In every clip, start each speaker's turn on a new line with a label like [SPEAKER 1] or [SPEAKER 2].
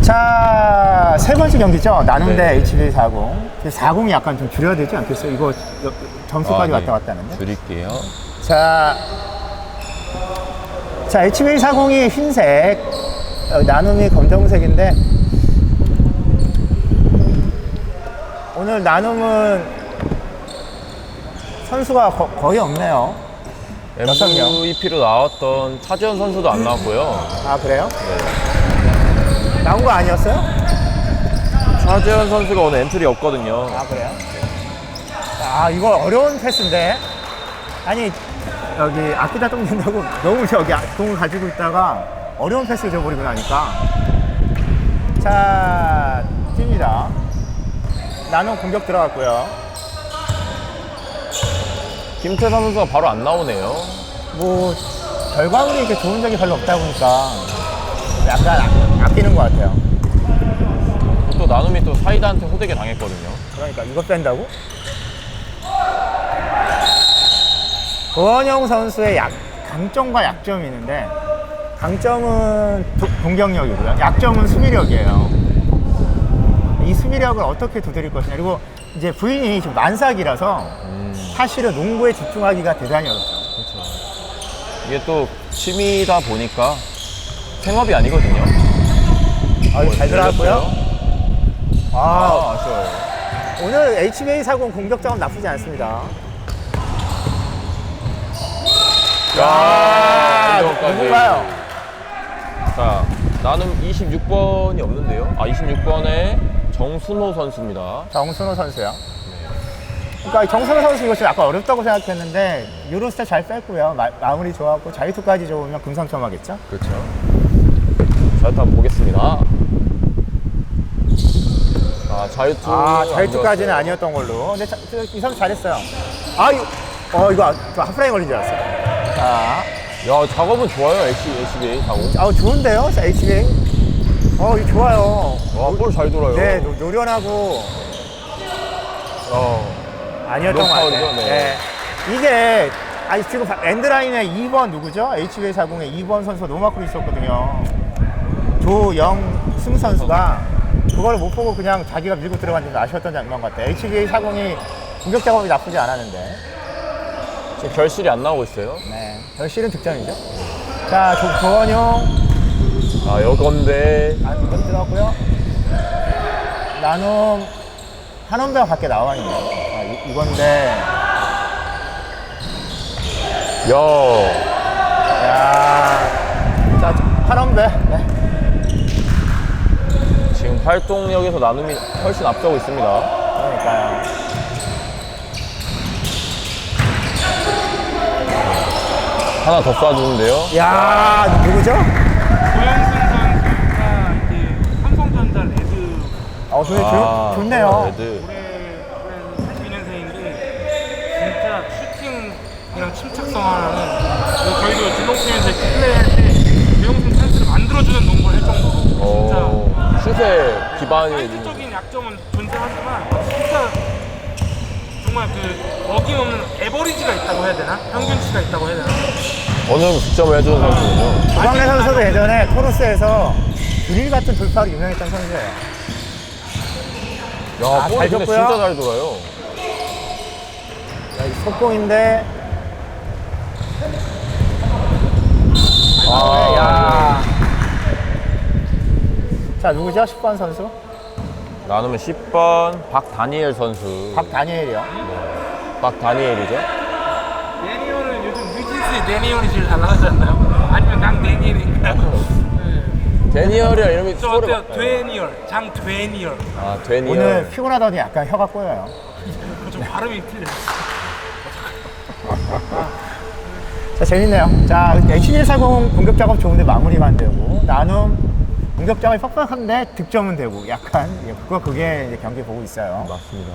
[SPEAKER 1] 자, 세 번째 경기죠. 나눔 대
[SPEAKER 2] 네.
[SPEAKER 1] HBA40. 40이 약간 좀 줄여야 되지 않겠어요? 이거 점수까지 왔다 갔다 하는데.
[SPEAKER 2] 줄일게요.
[SPEAKER 1] 자, HBA40이 흰색, 나눔이 검정색인데, 오늘 나눔은 선수가 거의 없네요.
[SPEAKER 2] MVP로 나왔던 차지현 선수도 안 나왔고요.
[SPEAKER 1] 아, 그래요?
[SPEAKER 2] 네.
[SPEAKER 1] 나온 거 아니었어요?
[SPEAKER 2] 차지현 선수가 오늘 엔트리 없거든요.
[SPEAKER 1] 아, 그래요? 아, 이거 어려운 패스인데. 아니, 여기 아끼다 똥 된다고 너무 저기 공을 가지고 있다가 어려운 패스 줘버리고 나니까. 자, 뜁니다. 나눔 공격 들어갔고요.
[SPEAKER 2] 김태삼 선수가 바로 안 나오네요.
[SPEAKER 1] 뭐, 결과물이 이렇게 좋은 적이 별로 없다 보니까 약간 아끼는 것 같아요.
[SPEAKER 2] 또 나눔이 또 사이다한테 호되게 당했거든요.
[SPEAKER 1] 그러니까 이거 뺀다고? 고원영 선수의 강점과 약점이 있는데, 강점은 공격력이고요. 약점은 수비력이에요. 이 수비력을 어떻게 두드릴 것이냐. 그리고 이제 부인이 지금 만삭이라서 사실은 농구에 집중하기가 대단히 어렵죠.
[SPEAKER 2] 그렇죠. 이게 또 취미다 보니까 생업이 아니거든요.
[SPEAKER 1] 잘 들어갔고요.
[SPEAKER 2] 아쉬워요.
[SPEAKER 1] 오늘 HBA40 공격 작업 나쁘지 않습니다. 야, 누군가요?
[SPEAKER 2] 자, 나눔 26번이 없는데요. 26번에 정순호 선수입니다.
[SPEAKER 1] 정순호 선수요. 그러니까 이 정순호 선수 이거 좀 약간 어렵다고 생각했는데 유로스텝 잘 뺐고요. 마무리 좋았고 자유투까지 좋으면 금상첨화겠죠?
[SPEAKER 2] 그렇죠. 자유투 한번 보겠습니다.
[SPEAKER 1] 자유투까지는 아니었던 걸로. 근데 이 선수 잘했어요. 이거 저 하프라인 걸린 줄 알았어요. 자,
[SPEAKER 2] 야, 작업은 좋아요. HBA 작업.
[SPEAKER 1] 좋은데요? 자, HBA. 이거 좋아요.
[SPEAKER 2] 와, 볼 잘 돌아요.
[SPEAKER 1] 네, 노련하고. 아니었던 것 같아요.
[SPEAKER 2] 파울이죠? 네.
[SPEAKER 1] 네. 이게, 지금 엔드라인에 2번 누구죠? HBA40에 2번 선수가 노마크로 있었거든요. 조영승 선수가 그걸 못 보고 그냥 자기가 밀고 들어간 게 아쉬웠던 장면 같아요. HBA40이 공격 작업이 나쁘지 않았는데.
[SPEAKER 2] 지금 결실이 안 나오고 있어요.
[SPEAKER 1] 네. 결실은 득점이죠. 자, 조원용.
[SPEAKER 2] 여건데.
[SPEAKER 1] 이거 들어갔고요. 나눔. 한원배가 밖에 나와 있네요. 이건데. 자, 한원배. 네.
[SPEAKER 2] 지금 활동력에서 나눔이 훨씬 앞서고 있습니다.
[SPEAKER 1] 그러니까요.
[SPEAKER 2] 하나 더 쏴주는데요.
[SPEAKER 1] 야, 누구죠?
[SPEAKER 3] 고영승 선수가 이제 삼성전자 레드
[SPEAKER 1] 좋네요.
[SPEAKER 2] 레드.
[SPEAKER 3] 올해 42년생인데 진짜 슈팅이랑 침착성 하나는 저희도 진동팀에서 플레이할 때 고영승 찬스를 만들어주는 농구를 할 정도로 진짜
[SPEAKER 2] 슛에 기반이
[SPEAKER 3] 사이즈적인 약점은 존재하지만 진짜 정말 그 어김없는 에버리지가 있다고 해야 되나? 평균치가 있다고 해야 되나?
[SPEAKER 2] 어느 정도 득점을 해주는 선수군요.
[SPEAKER 1] 조광래 선수도 예전에 코러스에서 드릴 같은 돌파로 유명했던 선수예요.
[SPEAKER 2] 야, 볼이
[SPEAKER 1] 잘
[SPEAKER 2] 근데
[SPEAKER 1] 줬고요.
[SPEAKER 2] 진짜 잘 돌아요.
[SPEAKER 1] 속공인데. 자, 누구죠? 10번 선수?
[SPEAKER 2] 나누면 10번 박다니엘 선수.
[SPEAKER 1] 박다니엘이요.
[SPEAKER 2] 박다니엘이죠.
[SPEAKER 3] 데니얼은 요즘 뉴진스의 데니얼이 제일 잘 나가지 않나요? 아니면 강데니엘인가요?
[SPEAKER 2] 데니얼이랑 이름이
[SPEAKER 3] 저
[SPEAKER 2] 서로
[SPEAKER 3] 어때요? 되니얼, 장되니얼.
[SPEAKER 2] 데니얼.
[SPEAKER 1] 오늘 피곤하더니 약간 혀가 꼬여요.
[SPEAKER 3] 좀 발음이 틀려요.
[SPEAKER 1] 자, 재밌네요. 자, HBA40 공격 작업 좋은데 마무리가 안 되고, 나눔 공격 작업이 퍽퍽한데 득점은 되고, 약간, 그게 이제 경기 보고 있어요.
[SPEAKER 2] 맞습니다.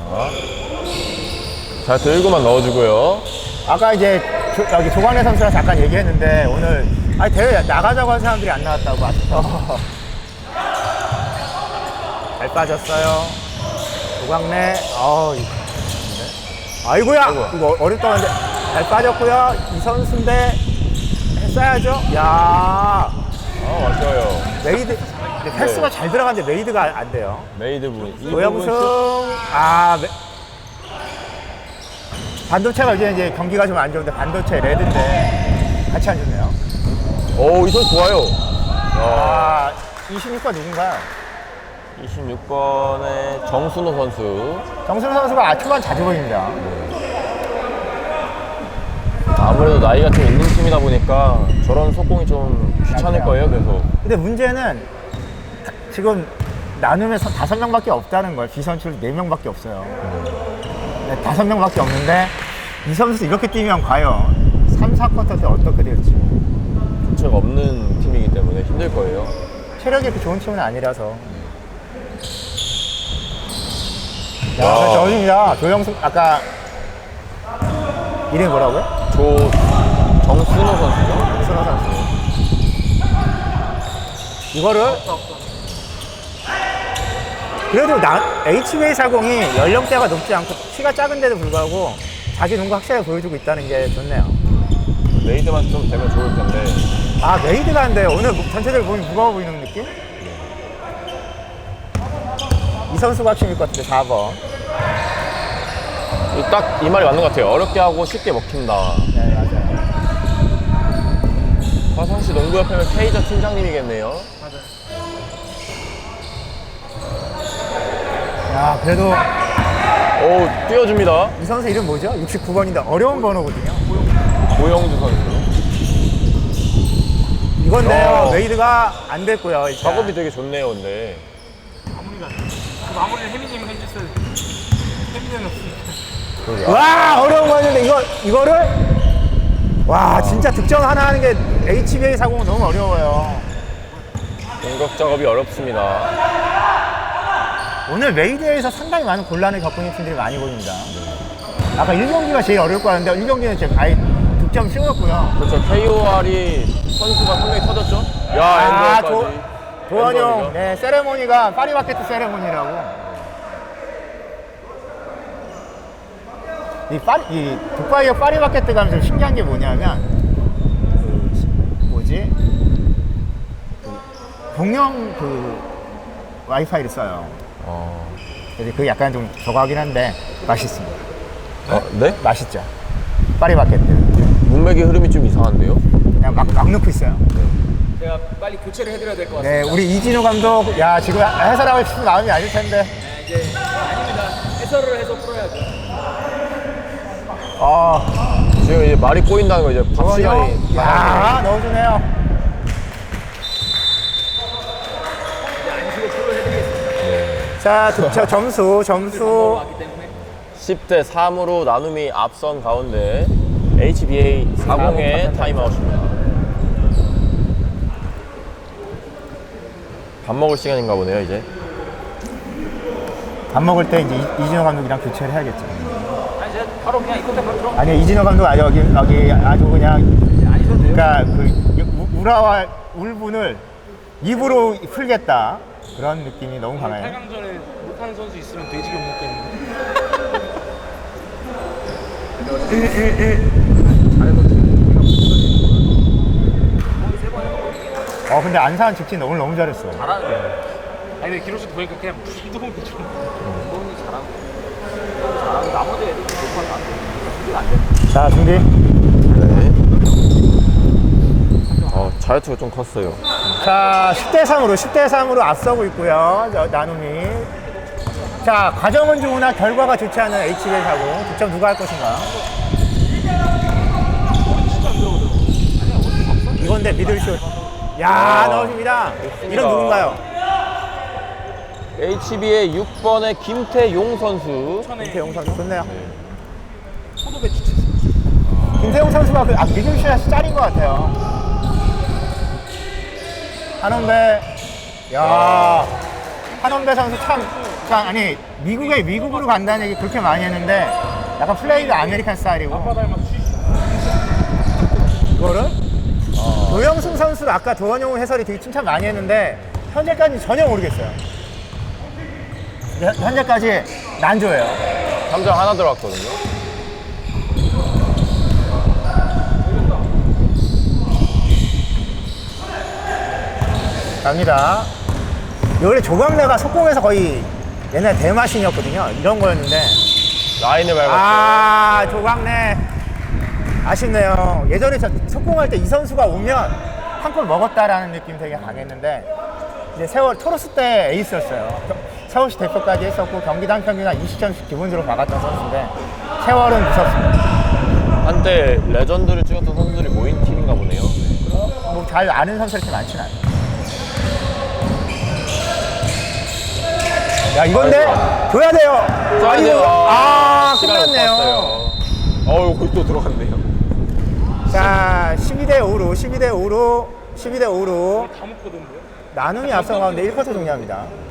[SPEAKER 2] 자, 들고만 넣어주고요.
[SPEAKER 1] 아까 이제 여기 조광래 선수랑 잠깐 얘기했는데, 오늘, 대회 나가자고 한 사람들이 안 나왔다고 아쉽다. 잘 빠졌어요. 조광래, 아이고야! 이거 어렵다 근데 잘 빠졌고요. 이 선수인데 했어야죠. 야,
[SPEAKER 2] 아쉬워요.
[SPEAKER 1] 메이드 근데 패스가
[SPEAKER 2] 네.
[SPEAKER 1] 잘 들어가는데 메이드가 안 돼요.
[SPEAKER 2] 메이드 부분. 이 부분
[SPEAKER 1] 노영승, 반도체가 이제 경기가 좀 안 좋은데 반도체 레드인데 같이 안 좋네요.
[SPEAKER 2] 오, 이 선수 좋아요.
[SPEAKER 1] 26번 누군가요?
[SPEAKER 2] 26번의 정순호 선수.
[SPEAKER 1] 정순호 선수가 초반 자주 보입니다.
[SPEAKER 2] 아무래도 나이가 좀 있는 팀이다 보니까 저런 속공이 좀 귀찮을
[SPEAKER 1] 맞아요.
[SPEAKER 2] 거예요, 계속.
[SPEAKER 1] 근데 문제는 지금 나누면서 5명밖에 없다는 거예요. 비선출 4명밖에 없어요. 5명밖에 없는데 이 선수 이렇게 뛰면 과연 3, 4쿼터 때 어떻게 될지.
[SPEAKER 2] 교체가 없는 팀이기 때문에 힘들 거예요.
[SPEAKER 1] 체력이 그렇게 좋은 팀은 아니라서. 야,
[SPEAKER 2] 와.
[SPEAKER 1] 저입니다. 조영승 아까 이름이 뭐라고요?
[SPEAKER 2] 정순호 선수죠?
[SPEAKER 1] 정순호 선수. 이거를 그래도 HBA40이 연령대가 높지 않고 키가 작은데도 불구하고 자기 농구 확실하게 보여주고 있다는 게 좋네요.
[SPEAKER 2] 메이드만 좀 되면 좋을 텐데.
[SPEAKER 1] 메이드가 안 돼요. 오늘 전체적으로 보면 무거워 보이는 느낌? 이 선수가 핵심일 것 같은데 4번.
[SPEAKER 2] 딱 이 말이 맞는 것 같아요. 어렵게 하고 쉽게 먹힌다.
[SPEAKER 1] 네, 맞아요.
[SPEAKER 2] 화성시 농구협회는 K자 팀장님이겠네요.
[SPEAKER 3] 맞아요.
[SPEAKER 1] 야, 그래도
[SPEAKER 2] 오, 띄워줍니다.
[SPEAKER 1] 이 선수 이름 뭐죠? 69번인데 어려운 번호거든요.
[SPEAKER 2] 고영주 선수.
[SPEAKER 1] 이건데요.
[SPEAKER 2] 어.
[SPEAKER 1] 메이드가 안 됐고요. 일단.
[SPEAKER 2] 작업이 되게 좋네요, 근데.
[SPEAKER 3] 마무리가 안 돼. 그 마무리를 혜민님이 해주셔야 돼. 혜민님은 없으니까.
[SPEAKER 1] 와, 어려운 거였는데 이거를 와, 진짜 득점 하나 하는 게 HBA40은 너무 어려워요.
[SPEAKER 2] 공격 작업이 어렵습니다.
[SPEAKER 1] 오늘 메이드에서 상당히 많은 곤란을 겪고 있는 팀들이 많이 보입니다. 아까 1경기가 제일 어려울 것 같은데 1경기는 지금 아예 득점 쉬웠고요.
[SPEAKER 2] 그렇죠. KOR이 선수가 한 명이 터졌죠? 야, 엔드까지.
[SPEAKER 1] 도원용, 네, 세레모니가 파리바게트 세레모니라고. 이 두바이의 파리바게트 가면 좀 신기한 게 뭐냐면 공용 와이파이를 써요. 그래서 그게 약간 좀 저거 하긴 한데 맛있습니다.
[SPEAKER 2] 네?
[SPEAKER 1] 맛있죠. 파리바게트.
[SPEAKER 2] 문맥의 흐름이 좀 이상한데요?
[SPEAKER 1] 그냥 막 넣고 있어요.
[SPEAKER 4] 제가 빨리 교체를 해드려야 될 것 같습니다.
[SPEAKER 1] 네, 우리 이진우 감독, 야, 지금 해설하고 싶은 마음이 아닐 텐데.
[SPEAKER 4] 네, 이제 아닙니다. 해설을 해서 풀어야죠.
[SPEAKER 2] 지금 이제 말이 꼬인다는 거 이제 밥 시간이.
[SPEAKER 1] 야, 넣어주네요.
[SPEAKER 4] 이제 안시고 풀로 해드리겠습니다.
[SPEAKER 1] 자, 점수.
[SPEAKER 4] 왔기 때문에
[SPEAKER 2] 10대 3으로 나눔이 앞선 가운데 HBA 40의 타임아웃입니다. 밥 먹을 시간인가 보네요, 이제.
[SPEAKER 1] 밥 먹을 때 이제 이진호 감독이랑 교체를 해야겠죠.
[SPEAKER 4] 아니 제가 바로 그냥 이 끝에 바로 들어.
[SPEAKER 1] 아니요, 이진호 감독 여기 아주 그냥,
[SPEAKER 4] 아니셔도 돼요.
[SPEAKER 1] 그러니까 우라와 울분을 입으로 풀겠다. 그런 느낌이 너무 강해요.
[SPEAKER 3] 8강전에 못하는 선수 있으면 돼지가 먹겠는데.
[SPEAKER 1] 근데 안산 직진 오늘 너무 잘했어.
[SPEAKER 4] 잘하는데.
[SPEAKER 3] 아니 근데 기록수 보니까 그냥 부동이 좀.
[SPEAKER 4] 소은이 잘하고. 잘하고 나머지 애들이 못하면 안 돼. 수비가 안 돼.
[SPEAKER 1] 자, 준비.
[SPEAKER 2] 네. 자유투가 좀 컸어요.
[SPEAKER 1] 자, 10대 3으로 앞서고 있고요. 나눔이. 자, 과정은 좋으나 결과가 좋지 않은 HBA40. 득점 누가 할 것인가? 이건데 미들슛. 야, 넣어줍니다. 이런 누군가요?
[SPEAKER 2] HB의 6번의 김태용 선수.
[SPEAKER 1] 김태용 선수 좋네요.
[SPEAKER 4] 포도 배추 치세요.
[SPEAKER 1] 김태용 선수가 미들슛이 짤인 것 같아요. 한원배. 야, 한원배 선수 아니 미국으로 간다는 얘기 그렇게 많이 했는데 약간 플레이가 아메리칸 스타일이고. 이거를 노영승 선수를 아까 도원용 해설이 되게 칭찬 많이 했는데 현재까지 전혀 모르겠어요. 현재까지 난조예요.
[SPEAKER 2] 3점 하나 들어갔거든요.
[SPEAKER 1] 갑니다. 원래 조광래가 속공에서 거의 옛날 대마신이었거든요. 이런 거였는데.
[SPEAKER 2] 라인을 밟았죠.
[SPEAKER 1] 아, 조광래. 아쉽네요. 예전에 저 속공할 때 이 선수가 오면 한 골 먹었다라는 느낌 되게 강했는데, 이제 세월, 토로스 때 에이스였어요. 서울시 대표까지 했었고, 경기당 평균 한 20점씩 기본적으로 막았던 선수인데, 세월은 무섭습니다.
[SPEAKER 2] 한때 레전드를 찍었던 선수들이 모인 팀인가 보네요.
[SPEAKER 1] 뭐 잘 아는 선수가 이렇게 많지는 않아요. 야, 이건데? 줘야 돼요.
[SPEAKER 2] 써야 돼요.
[SPEAKER 1] 아,
[SPEAKER 2] 시간이 못
[SPEAKER 1] 끝났네요.
[SPEAKER 2] 봤어요. 어우, 거기 또 들어갔네요.
[SPEAKER 1] 자, 12대5로, 12대5로, 12대5로.
[SPEAKER 3] 다 묶거든요.
[SPEAKER 1] 나눔이 앞서가는데 1쿼터 종료합니다.